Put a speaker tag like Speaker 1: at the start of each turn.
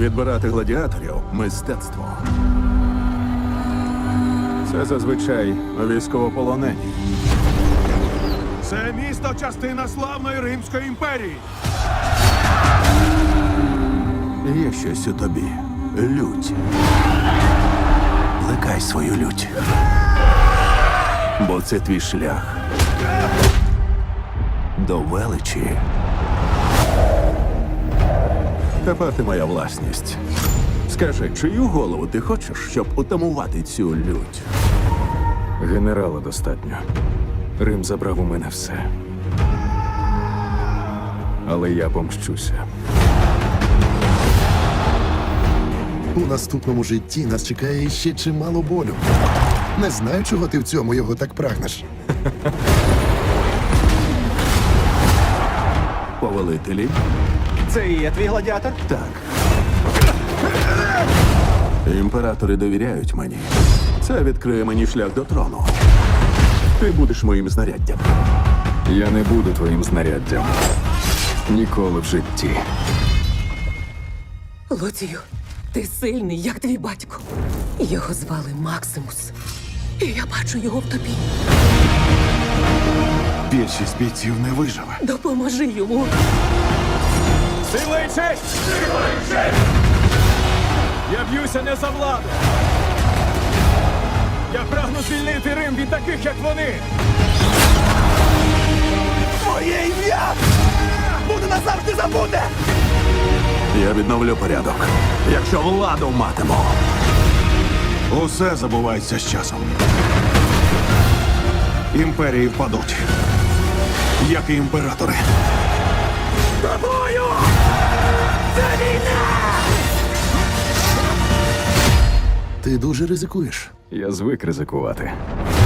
Speaker 1: Відбирати гладіаторів – мистецтво. Це зазвичай військовополонені.
Speaker 2: Це місто – частина славної Римської імперії.
Speaker 1: Є щось у тобі. Лють. Плекай свою лють. Бо це твій шлях до величі. Тепер ти моя власність. Скажи, чию голову ти хочеш, щоб утамувати цю лють?
Speaker 3: Генерала достатньо. Рим забрав у мене все. Але я помщуся.
Speaker 4: У наступному житті нас чекає ще чимало болю. Не знаю, чого ти в цьому його так прагнеш.
Speaker 1: Повелителі?
Speaker 5: Це і є твій гладіатор?
Speaker 1: Так. Імператори довіряють мені. Це відкриє мені шлях до трону. Ти будеш моїм знаряддям.
Speaker 3: Я не буду твоїм знаряддям. Ніколи в житті.
Speaker 6: Лоцію, ти сильний, як твій батько. Його звали Максимус. І я бачу його в тобі.
Speaker 2: Більшість бійців не виживе.
Speaker 6: Допоможи йому.
Speaker 2: Сила і честь! Сила і честь! Я б'юся не за владу. Я прагну звільнити Рим від таких, як вони.
Speaker 5: Моє ім'я буде назавжди забуде!
Speaker 1: Я відновлю порядок, якщо владу матиму.
Speaker 2: Усе забувається з часом. Імперії впадуть, як і імператори.
Speaker 5: Тобою! Це війна!
Speaker 4: Ти дуже ризикуєш.
Speaker 3: Я звик ризикувати.